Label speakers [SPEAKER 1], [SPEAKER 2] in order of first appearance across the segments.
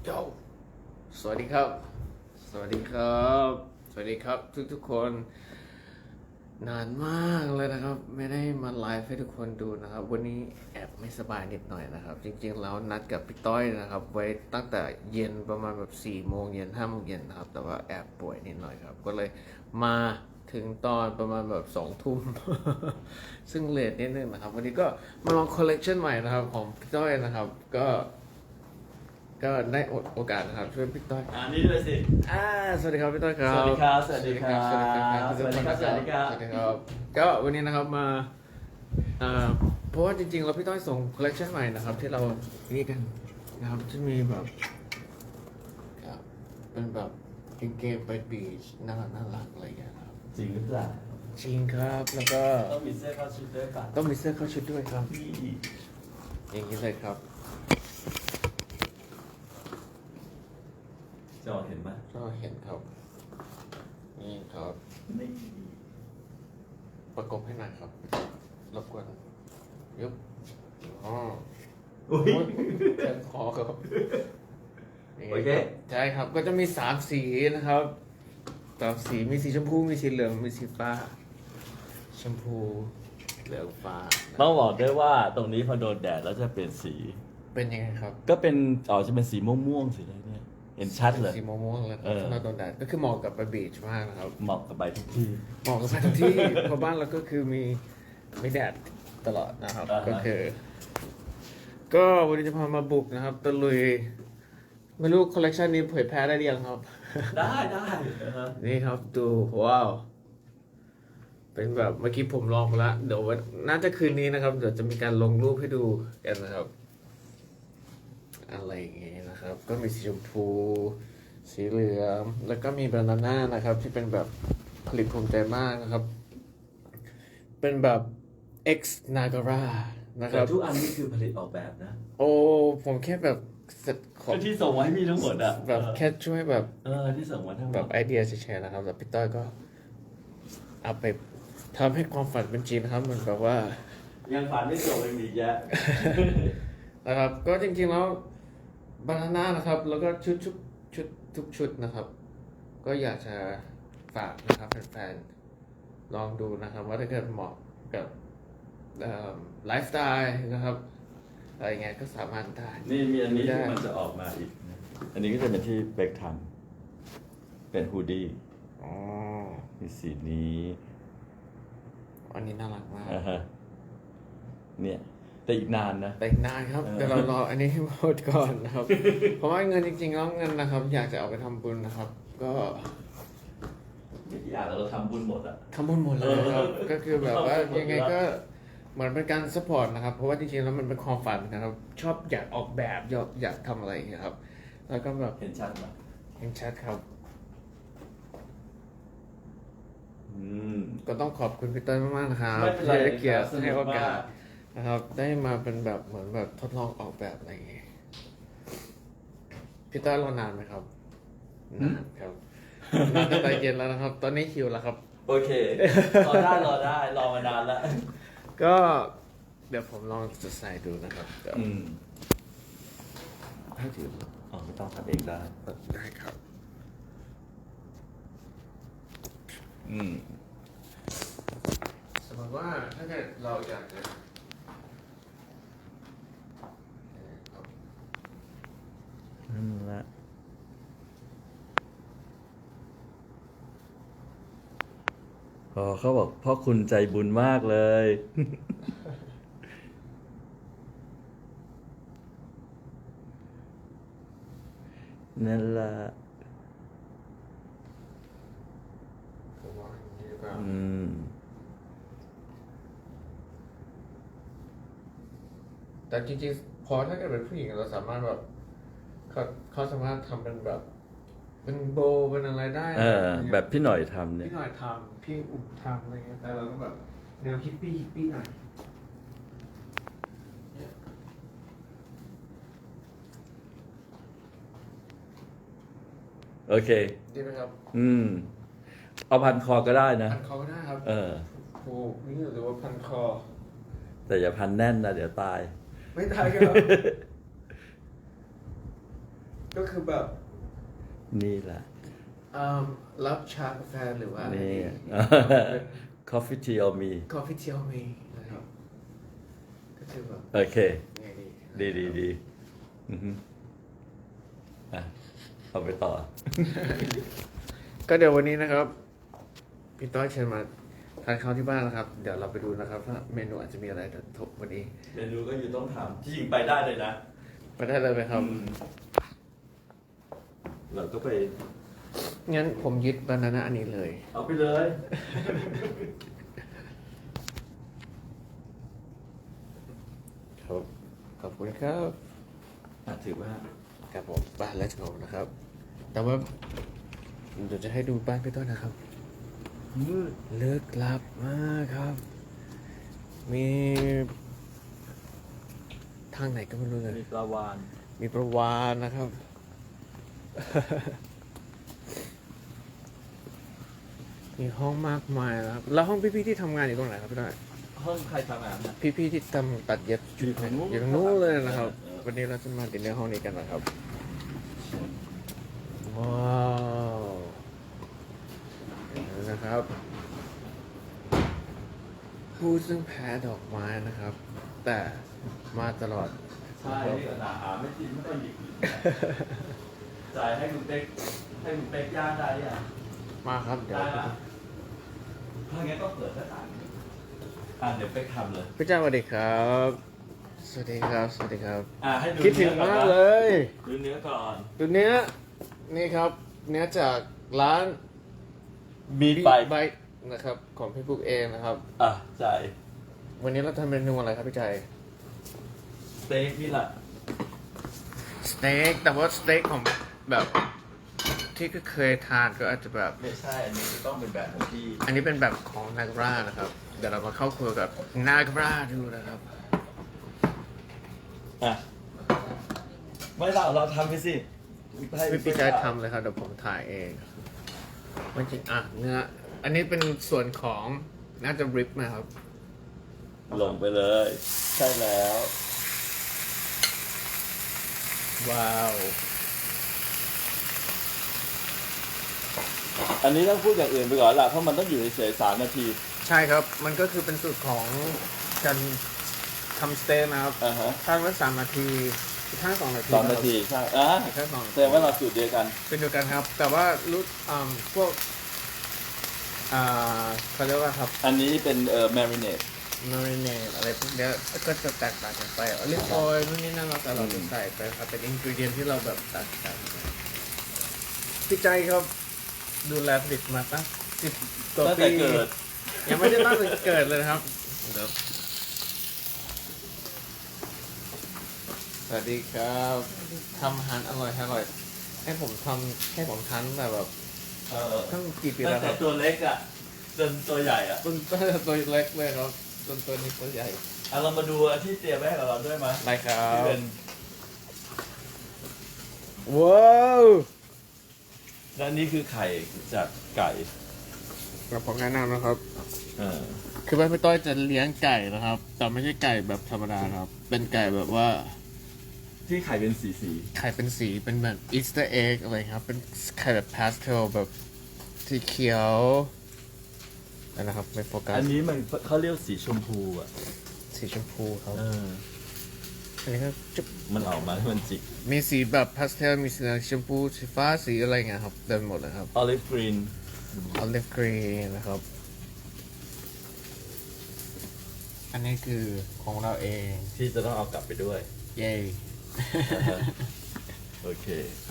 [SPEAKER 1] โยสวัสดีครับ สวัสดีครับ สวัสดีครับทุกๆคน นานมากเลยนะครับ ไม่ได้มาไลฟ์ให้ทุกคนดูนะครับ วันนี้แอบไม่สบายนิดหน่อยนะครับ จริงๆแล้วนัดกับพี่ต้อยนะครับ ไว้ตั้งแต่เย็นประมาณแบบ4 โมงเย็น5 โมงเย็นนะครับ แต่ว่าแอบป่วยนิดหน่อยครับ ก็เลยมาถึงตอนประมาณแบบ2 ทุ่ม ซึ่งเลทนิดนึงนะครับ วันนี้ก็มาลองคอลเลกชันใหม่นะครับของพี่ต้อยนะครับ ก็ได้โอกาสนะครับช่วยพี่ต้อย
[SPEAKER 2] นี่ด้วยสิ
[SPEAKER 1] สวัสดีครับพี่ต้อยครับ
[SPEAKER 2] สวัสดีครับสวัสดีครับ
[SPEAKER 1] สวัสดีครับ
[SPEAKER 2] สวัสดีครับ
[SPEAKER 1] สวัสดีครับก็วันนี้นะครับมาเพราะว่าจริงๆเราพี่ต้อยส่งคอลเลคชันใหม่นะครับ ที่เรานี่กันนะครับจะมีแบบเป็นแบบกางเกงไปบีชน่ารักอะไรอย่างเงี้ยครับ
[SPEAKER 2] จริงหรือเปล่า
[SPEAKER 1] จริงครับแล้วก็
[SPEAKER 2] ต้องมีเสื้อเข้าชุดด้วยป่ะ
[SPEAKER 1] ต้องมีเสื้อเข้าชุดด้วยครับ
[SPEAKER 2] นี่
[SPEAKER 1] อย่างนี้เลยครับ
[SPEAKER 2] จอเห็นไหม
[SPEAKER 1] ก็เห็นครับนี่ครับ
[SPEAKER 2] นี่
[SPEAKER 1] ประกบให้หน่อยครับรบกวนยุบอ๋อ
[SPEAKER 2] อุ้ย
[SPEAKER 1] แทนคอครับ
[SPEAKER 2] โอเค
[SPEAKER 1] ใช่ครับ ก็จะมี3 สีนะครับ3 สี มีสีชมพู มีสีเหลือง มีสีฟ้า ชมพู เหลืองฟ้า
[SPEAKER 2] ต้องบอกด้วยว่าตรงนี้พอโดนแดดแล้วจะเปลี่ยนสี
[SPEAKER 1] เป็นยังไงครับ
[SPEAKER 2] ก็เป็นจะเป็นสีม่วงๆสีอะไรเนี่ยเห็นชัดเลย
[SPEAKER 1] สีม่วงๆเลยค
[SPEAKER 2] เอ
[SPEAKER 1] รับ
[SPEAKER 2] อ
[SPEAKER 1] สำหรับโดนแดดก็คือเหมาะกับไปบีชมากนะครับ
[SPEAKER 2] เหมาะกับใบทุกที่
[SPEAKER 1] เหมาะกับสถานที่ เพราะบ้านเราก็คือมีแดดตลอดนะครับ
[SPEAKER 2] อ่าฮะ
[SPEAKER 1] ก็คือ ก็วันนี้จะพามาบุกนะครับตะลุย ไม่รู้คอลเลกชันนี้เผยแพร่ได้หรือยังครับ
[SPEAKER 2] ได้
[SPEAKER 1] นี่ครับดูว้าว เป็นแบบเมื่อกี้ผมลองมาแล้วเดี๋ยววันน่าจะคืนนี้นะครับ เดี๋ยวจะมีการลงรูปให้ดูกันนะครับ อะไรอย่างเงี้ยนะครับ ก็มีสีชมพู สีเหลืองแล้วก็มีบานาน่านะครับ ที่เป็นแบบผลิตภูมิใจมากนะครับ เป็นแบบ X Nagara นะค
[SPEAKER 2] แต่
[SPEAKER 1] รับ
[SPEAKER 2] ทุกอันนี่คือผลิตออกแบบนะ
[SPEAKER 1] โอ้ผมแค่แบบขอ
[SPEAKER 2] ที่ส่งมาให้มีทั้งหมดอ่ะ
[SPEAKER 1] แบบแค่ช่วยแบบ
[SPEAKER 2] ที่ส่งมาทั้งหม
[SPEAKER 1] แบ
[SPEAKER 2] ด
[SPEAKER 1] บไอเดียเฉยๆนะครับแต่พี่ต้อยก็เอาไปทำให้ความฝันเป็นจริงนะครับเหมือนกับว่า
[SPEAKER 2] ยังฝันไม่จบยังมีอีกเยอะ
[SPEAKER 1] นะครับ ก็จริงๆแล้วบานาน่านะครับ แล้วก็ชุดทุกชุดนะครับ ก็อยากจะฝากนะครับแฟนๆลองดูนะครับ ว่าถ้าเกิดเหมาะกับไลฟ์สไตล์นะครับอะไรเงี้ยก็สามารถได้
[SPEAKER 2] นี่มีอันนี้
[SPEAKER 1] ได้
[SPEAKER 2] ที่มันจะออกมาอีกนะอันนี้ก็จะเป็นที่เบคทำเป็นฮูดดี้
[SPEAKER 1] อ๋อ
[SPEAKER 2] มีสีนี้
[SPEAKER 1] อันนี้น่ารักมาก
[SPEAKER 2] เนี่ยแต่อีกนานนะ
[SPEAKER 1] แต่อีกนานครับ
[SPEAKER 2] เออ
[SPEAKER 1] เดี๋ยวเรารออันนี้ให้หมดก่อนนะครับ เพราะว่าเงินจริงๆแล้วเงินนะครับ อยากจะเอาไปทำบุญนะครับ ก็
[SPEAKER 2] ไม่กี่อย่างเราทำบุญหมดอ่ะ
[SPEAKER 1] ทำบุญหมดเลยครับ ก็คือแบบว่า
[SPEAKER 2] ทำบุญหมด
[SPEAKER 1] ยังไงก็เหมือนเป็นการสปอร์ตนะครับ เพราะว่าจริงๆแล้วมันเป็นความฝันนะครับ ชอบอยากออกแบบอยากทำอะไรอย่างเงี้ยครับ แล้วก็แบบ
[SPEAKER 2] เห็นชัดไหม
[SPEAKER 1] เห็นชัดครับ
[SPEAKER 2] อืม
[SPEAKER 1] ก็ต้องขอบคุณพี่เต้ยมากๆนะครับ
[SPEAKER 2] ไม่เป็นไร
[SPEAKER 1] ที่ให้เกียรติ
[SPEAKER 2] ครับสนุก
[SPEAKER 1] ให้โอกาส
[SPEAKER 2] มาก
[SPEAKER 1] นะครับ ได้มาเป็นแบบเหมือนแบบทดลองออกแบบอะไรอย่างเงี้ยพี่เต้ยรอนานไหมครับนานครับนานตั้งแต่เย็นแล้วนะครับ ตอนนี้หิวแล้วครับ
[SPEAKER 2] โอเค รอได้รอมานานแล้ว
[SPEAKER 1] ก็เดี๋ยวผมลองจะใส่ดูนะครับเดี๋ยว
[SPEAKER 2] อืม
[SPEAKER 1] ให้ถือ
[SPEAKER 2] ไม่ต้องทำเองได้
[SPEAKER 1] ได้ครับ
[SPEAKER 2] อืม
[SPEAKER 1] สมมติว่าถ้าเกิดเราอยากจะ
[SPEAKER 2] นั่นแหละเขาบอกพ่อคุณใจบุญมากเลย นั่นแหละ
[SPEAKER 1] ผมว่าอย่างนี้ดีกว่า
[SPEAKER 2] อืม
[SPEAKER 1] แต่จริงๆพอถ้าเกิดเป็นผู้หญิงเราสามารถแบบเขาสามารถทำเป็นแบบเป็นโบว์เป็นอะไรได้นะ
[SPEAKER 2] แบบพี่หน่อยทำเนี่ย
[SPEAKER 1] พี่หน่อยทำพี่อุ๋มทำอะไรเงี้ยแต่เราก็แบบแนวฮิปปี้หน่อยเนี่ย
[SPEAKER 2] โอเค
[SPEAKER 1] ดีไหมครับ
[SPEAKER 2] อืม เอาพันคอก็ได้นะ
[SPEAKER 1] พันคอก็ได้ครับ
[SPEAKER 2] เออ
[SPEAKER 1] ผูกนี่หรือว่าพันคอ
[SPEAKER 2] แต่อย่าพันแน่นนะเดี๋ยวตาย
[SPEAKER 1] ไม่ได้ครับก็คือแบบ
[SPEAKER 2] นี่แหละ
[SPEAKER 1] รับชากาแฟหรือว่า
[SPEAKER 2] นี่ coffee tea or me
[SPEAKER 1] กาแฟเทียวมีนะครับก็คือแบบ
[SPEAKER 2] โอเค
[SPEAKER 1] ไงดี
[SPEAKER 2] ดีอือฮึอ่ะเอาไปต่อ
[SPEAKER 1] ก็เดี๋ยววันนี้นะครับพี่ต้อยเชิญมาทานข้าวที่บ้านนะครับ เดี๋ยวเราไปดูนะครับว่าเมนูอาจจะมีอะไรแต่ถกวันนี้
[SPEAKER 2] เมนูก็อยู่ต้องทำที่จริงไปได้เลยนะ
[SPEAKER 1] ไปได้เลยไหมครับ
[SPEAKER 2] เราก็ไป
[SPEAKER 1] งั้นผมยึดบานาน่าอันนี้เลย
[SPEAKER 2] เอาไปเลย
[SPEAKER 1] ครับขอบคุณครับ
[SPEAKER 2] ถือว่า
[SPEAKER 1] ครับผมบ้าน Let's go นะครับ แต่ว่าเดี๋ยวจะให้ดูบ้านพี่ต้นนะครับ
[SPEAKER 2] มืด
[SPEAKER 1] เลิกลับมากครับ มีทางไหนก็ไม่รู้เลย
[SPEAKER 2] มีปลาวาน
[SPEAKER 1] มีประวานนะครับ มีห้องมากมายนะครับ แล้วห้องพี่ๆที่ทำงานอยู่ตรงไหนครับพี่ต้น
[SPEAKER 2] ห้องใครทำงานนะ
[SPEAKER 1] พี่ๆที่ทำตัดเย็บชุด
[SPEAKER 2] อยู่ตรงนู้น
[SPEAKER 1] อยู่ตรงนู้นเลยนะครับ
[SPEAKER 2] เออ
[SPEAKER 1] วันนี้เราจะมาดินเนอร์ห้องนี้กันนะครับ ว้าวเห็นแล้วนะครับ ผู้ซึ่งแพ้ดอกไม้นะครับ แต่มาตลอด
[SPEAKER 2] ใช่นี่ก็หาไม่กินไม่ต้องหยิบจ่ายให้คุณเป๊กย่างได้ยัง
[SPEAKER 1] มาครับเดี๋ยว
[SPEAKER 2] ได้นะถ้างั้นก็เปิดหน้าต่างเดี๋ยวเป๊กทำเลย
[SPEAKER 1] พี่จ้าสวัสดีครับ สวัสดีครับ สวัสดีครับ
[SPEAKER 2] ให้ดู
[SPEAKER 1] คิดถึงมากเลย
[SPEAKER 2] ดูเนื้อก่อน
[SPEAKER 1] ตัวเนี้ยนี่ครับ เนื้อจากร้าน
[SPEAKER 2] มี
[SPEAKER 1] Beat
[SPEAKER 2] ไป
[SPEAKER 1] Bite นะครับ ของพี่ปุ๊กเองนะครับ
[SPEAKER 2] จ่าย
[SPEAKER 1] วันนี้เราทำเมนูอะไรครับพี่ใจ
[SPEAKER 2] สเต็กนี่แหละ
[SPEAKER 1] สเต็กแต่ว่าสเต็กของแบบที่ก็เคยทานก็อาจจะแบบ
[SPEAKER 2] ไม่ใช่อันนี้ต้องเป็นแบบของพี่
[SPEAKER 1] อันนี้เป็นแบบของนากรานะครับ เดี๋ยวเรามาเข้าครัวกับนากราดูนะครับ
[SPEAKER 2] ไม่เราทำไปสิให้
[SPEAKER 1] พี่ใจทำเลยครับเดี๋ยวผมถ่ายเองมันจริงเนื้ออันนี้เป็นส่วนของน่าจะริบนะครับ
[SPEAKER 2] ลงไปเลย ใช่แล้ว
[SPEAKER 1] ว้าว
[SPEAKER 2] อันนี้ต้องพูดอย่างอื่นไปก่อนละเพราะมันต้องอยู่เฉยๆ3 นาที
[SPEAKER 1] ใช่ครับ มันก็คือเป็นสูตรของการทำสเต็กนะครับ
[SPEAKER 2] ฮะ
[SPEAKER 1] ข้างละ3 นาทีข้าง2 นาที
[SPEAKER 2] 2 นาทีใช่
[SPEAKER 1] ข้าง2 นา
[SPEAKER 2] แส
[SPEAKER 1] ที
[SPEAKER 2] ดงว่าเราสูตรเดียวกัน
[SPEAKER 1] เป็นเดียวกันครับ แต่ว่ารู้พวกเขาเรียกว่าครับ
[SPEAKER 2] อันนี้เป็นmarinade
[SPEAKER 1] มาริเนตอะไรพวกเนี้ยก็จะแตกต่างกันไปอลิฟออยล์นู่นนี่นั่นเราแต่เราจะใส่ไปครับเป็นอินกรีเดียนที่เราแบบตัดกันพี่ใจครับดูแลผลิตมาตั้ง10 กว่า
[SPEAKER 2] ตั้ง
[SPEAKER 1] ปี
[SPEAKER 2] แต่เกิด
[SPEAKER 1] ยังไม่ได้ตั้งแต่เกิดเลยนะครับเดี๋ยวสวัสดีครับทำอาหารอร่อยให้ผมทานแบบตั้งกี่ปี
[SPEAKER 2] ตั้
[SPEAKER 1] แล้
[SPEAKER 2] ง
[SPEAKER 1] วค
[SPEAKER 2] แต่
[SPEAKER 1] รับ
[SPEAKER 2] ตัวเล็กจนตัวใหญ่
[SPEAKER 1] จนตัวเล็กเลยครับจนตัวนี้ตัวใหญ่
[SPEAKER 2] เรามาดูที่เตรียมไว้ให้กับเราด้วยมั้ย
[SPEAKER 1] ได้ครั
[SPEAKER 2] ที่
[SPEAKER 1] บ
[SPEAKER 2] เป็น
[SPEAKER 1] ว้าว
[SPEAKER 2] และนี่คือไข่จากไก่
[SPEAKER 1] เราผมแนะนำนะครับ
[SPEAKER 2] เออ
[SPEAKER 1] คือบ้านพี่ต้อยจะเลี้ยงไก่นะครับ แต่ไม่ใช่ไก่แบบธรรมดาครับ เป็นไก่แบบว่า
[SPEAKER 2] ที่ไข่เป็นสี
[SPEAKER 1] ไข่เป็นสีเป็นแบบอีสเตอร์เอ็กอะไรครับ เป็นไข่แบบพาสเทลแบบสีเขียวนะครับไม่โฟกัส
[SPEAKER 2] อันนี้มันเขาเรียกสีชมพู
[SPEAKER 1] สีชมพูครับ
[SPEAKER 2] อ
[SPEAKER 1] อันนี้ก็จะ
[SPEAKER 2] มันออกมาให้มันจิก
[SPEAKER 1] มีสีแบบพาสเทลมีสีชมพูสีฟ้าสีอะไรเงี้ยครับเต็มหมดเลยครับ
[SPEAKER 2] olive green
[SPEAKER 1] ออลิฟกรีนนะครับ อันนี้คือของเราเอง
[SPEAKER 2] ที่จะต้องเอากลับไปด้วย
[SPEAKER 1] เย้
[SPEAKER 2] โอเค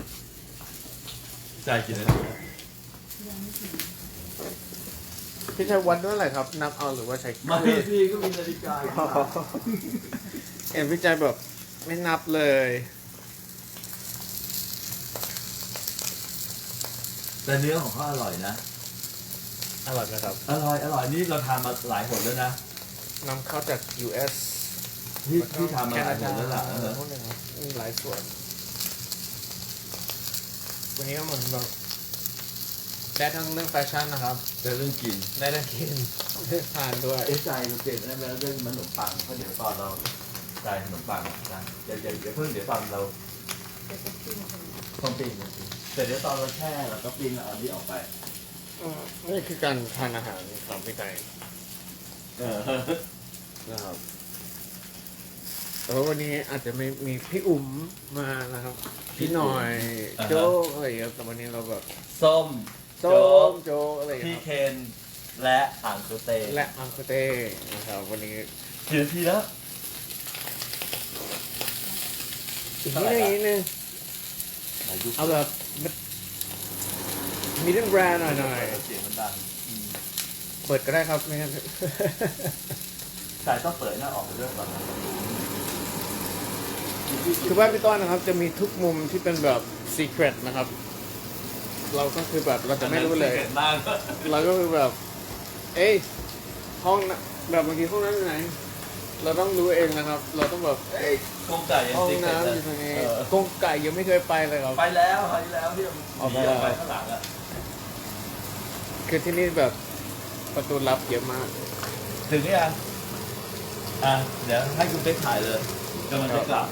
[SPEAKER 2] จ่ายกี่นาที
[SPEAKER 1] พี่ใช้วันด้วยอะไรครับ นับเอาหรือว่าใช้
[SPEAKER 2] มาพี่ก็มีนาฬิกา
[SPEAKER 1] เอ็มพี่ใจแบบไม่นับเลย
[SPEAKER 2] แต่เนื้อของเขาอร่อยนะ
[SPEAKER 1] อร่อยนะครับ
[SPEAKER 2] อร่อยนี่เราทานมาหลายหนแล้วนะ
[SPEAKER 1] นำเข้าจาก US
[SPEAKER 2] ที่ทำมาหลายหนแล้วล่ะ
[SPEAKER 1] พวกนี้ครับมีหลายส่วน วันนี้ก็เหมือนแบบได้ทั้งเรื่องแฟชั่นนะครับ
[SPEAKER 2] แต่เรื่องกิน
[SPEAKER 1] ได้ทั้งกินได้ทานด้วย
[SPEAKER 2] ใจเราเปลี่ยนได้แล้วเรื่องขนมปังเพราะเดี๋ยวตอนเราจ่ายขนมปังนะอย่าเพิ่งเดี๋ยวตอนเราต้องปิ้งแต่เดี๋ยวตอนเราแช่เราก็ปิ้งแล้วเอาที่ออกไป
[SPEAKER 1] นี่คือการทานอาหารของพี่ไก่
[SPEAKER 2] เออ
[SPEAKER 1] นะครับแต่ว่าวันนี้อาจจะไม่มีพี่อุ๋มมานะครับ พี่หน่อยโจ๊กอะไรอย่างเงี้ยแต่วันนี้เราแบบ
[SPEAKER 2] ส้ม
[SPEAKER 1] โจ๊กโจ๊กอะไรอย่าง
[SPEAKER 2] พี่
[SPEAKER 1] เงี้ย
[SPEAKER 2] เคนและอ่างโคเต
[SPEAKER 1] และอังคเต้นะครับวันนี้
[SPEAKER 2] กี่นาทีแล้ว
[SPEAKER 1] อีกนิดนึง
[SPEAKER 2] ไหนดู
[SPEAKER 1] เอาแบบมีเรื่องแบรนด์หน่อย
[SPEAKER 2] เสียงมันดัง
[SPEAKER 1] เปิดก็ได้ครับไม่งั้น
[SPEAKER 2] สายต้องเปิดหน้าออกไปด้วยก่อนนะ
[SPEAKER 1] คือบ้านพี่ต้อนนะครับจะมีทุกมุมที่เป็นแบบซีเครตนะครับ เราก็คือแบบเราจะไม่รู้เลย
[SPEAKER 2] เกิดมาก
[SPEAKER 1] เราก็คือแบบ เอ้ยห้องน่ะแบบบางทีห้องน้ำอยู่ไหน เราต้องรู้เองนะครับ เราต้องแบบเอ้ย
[SPEAKER 2] กงไก่ยัง
[SPEAKER 1] ห้อง
[SPEAKER 2] ซิกเกิ
[SPEAKER 1] น้ำ
[SPEAKER 2] ด
[SPEAKER 1] อยู่ตรงนี้
[SPEAKER 2] เออก
[SPEAKER 1] งไก่ยังไม่เคยไปเลยครับ
[SPEAKER 2] ไปแล้วคราวที่แล้วที่
[SPEAKER 1] ออกไป
[SPEAKER 2] หนี
[SPEAKER 1] แล้ว
[SPEAKER 2] ไปข้างหลังอ่ะ
[SPEAKER 1] คือที่นี่แบบประตูลับเยอะมาก
[SPEAKER 2] ถึงหรือยังอ่ะเดี๋ยวให้คุณเป๊กถ่ายเลยกำลังจะกลับ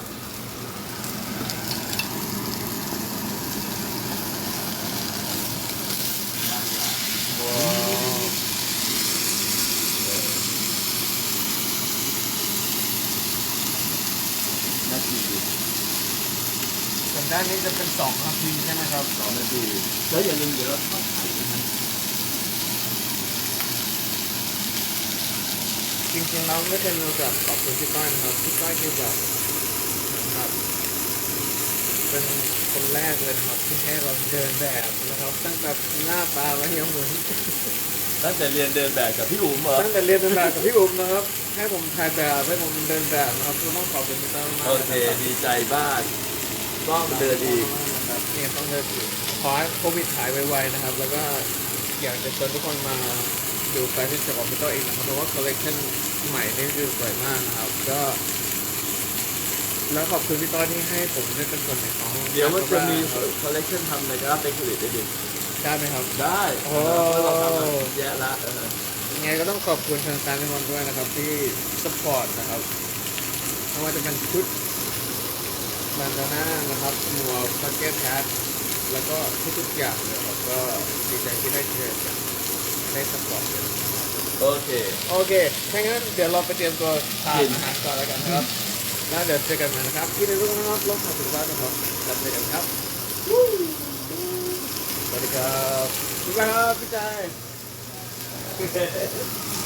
[SPEAKER 1] ว้าว
[SPEAKER 2] นาที
[SPEAKER 1] ส่วนด้านนี้จะเป็น2 นาทีใช่ไหมครับ
[SPEAKER 2] 2 นาทีแล้วอย่าลืมเดี๋ยวเราทอดไข่ด้วยนะ
[SPEAKER 1] จริงๆเราไม่เคยมีโอกาสขอบคุณพี่ก้อยนะครับพี่ก้อยคือแบบนะครับเป็นคนแรกเลยนะครับที่ให้เราเดินแบบนะครับตั้งแต่หน้าตาแล้วยังเหมือน
[SPEAKER 2] ตั้งแต่เรียนเดินแบบกับพี่อุ๋มเหรอ
[SPEAKER 1] ตั้งแต่เรียนเดินแบบกับพี่อุ๋มนะครับให้ผมถ่ายแบบให้ผมเดินแบบนะครับก็ต้องขอบคุณพี่ก้อยมากๆ
[SPEAKER 2] โอเคดีใจบ้างต้องเดินอีก
[SPEAKER 1] นะครับนี่ต้องเดินอีกขอให้โควิดหายไวๆนะครับ แล้วก็อยากจะชวนทุกคนมาดูแฟชั่นโชว์ของพี่ต้อยอีกนะครับเพราะว่าคอลเลคชันใหม่นี่คือสวยมากนะครับก็แล้วขอบคุณพี่ต้อยที่ให้ผมได้เป็นส่วนหนึ่งของ
[SPEAKER 2] เดี๋ยวมันจะมีคอลเลคชันทำในกราฟเป็นผลิตได้ดิ
[SPEAKER 1] ได้ไหมครับ
[SPEAKER 2] ได้
[SPEAKER 1] โอ้
[SPEAKER 2] เราทำมาแย่ละ
[SPEAKER 1] ยังไงก็ต้องขอบคุณแฟนๆทุกคนด้วยนะครับที่สปอร์ตนะครับไม่ว่าจะเป็นชุดแบนดาน่านะครับหมวกแจ็คเก็ตแฮทแล้วก็ทุกๆอย่างเลยครับก็ดีใจที่ได้เจอกันได้สปอร์ตกัน
[SPEAKER 2] โอเค
[SPEAKER 1] โอเคถ้างั้นเดี๋ยวเราไปเตรียมตัวทานอาหารก่อนแล้วกันนะครับแล้วเดี๋ยวเจอกันใหม่นะครับที่ในรูปนะครับลงมาถึงบ้านนะครับแล้วเจอกันครับสวัสดีครับบ๊ายบายครับพี่ใจ